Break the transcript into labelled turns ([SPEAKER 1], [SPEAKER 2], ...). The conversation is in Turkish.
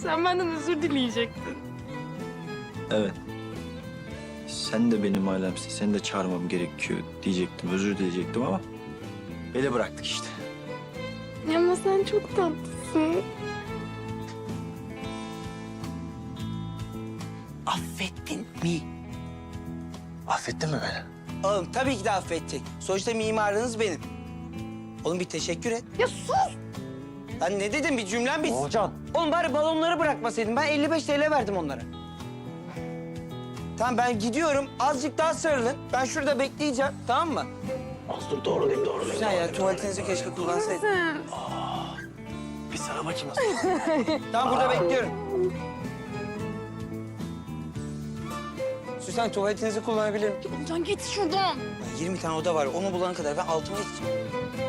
[SPEAKER 1] Sen benden özür dileyecektin.
[SPEAKER 2] Evet. Sen de benim ailemsin. Seni de çağırmam gerekiyor diyecektim. Özür dileyecektim ama ele bıraktık işte.
[SPEAKER 1] Ama sen çok tatlısın.
[SPEAKER 3] Affettin mi?
[SPEAKER 2] Affettin mi beni?
[SPEAKER 3] Oğlum tabii ki de affettik. Sonuçta mimarınız benim. Oğlum bir teşekkür et.
[SPEAKER 1] Ya sus!
[SPEAKER 3] Ben ne dedim bir cümlem bitsin.
[SPEAKER 2] Hocam.
[SPEAKER 3] Oğlum bari balonları bırakmasaydın. Ben 55 TL verdim onlara. Tamam ben gidiyorum. Azıcık daha sarılın. Ben şurada bekleyeceğim. Tamam mı?
[SPEAKER 2] Az dur doğrulayayım doğrulayayım.
[SPEAKER 3] Güzel ya tuvaletinizi keşke kullansaydın.
[SPEAKER 1] Sen.
[SPEAKER 2] Bir sana bakayım nasıl.
[SPEAKER 3] Tamam burada bekliyorum. Süsen tuvaletinizi kullanabilirim.
[SPEAKER 1] Olcan git şuradan.
[SPEAKER 3] 20 tane oda var. Onu bulana kadar ben altıma geçeceğim.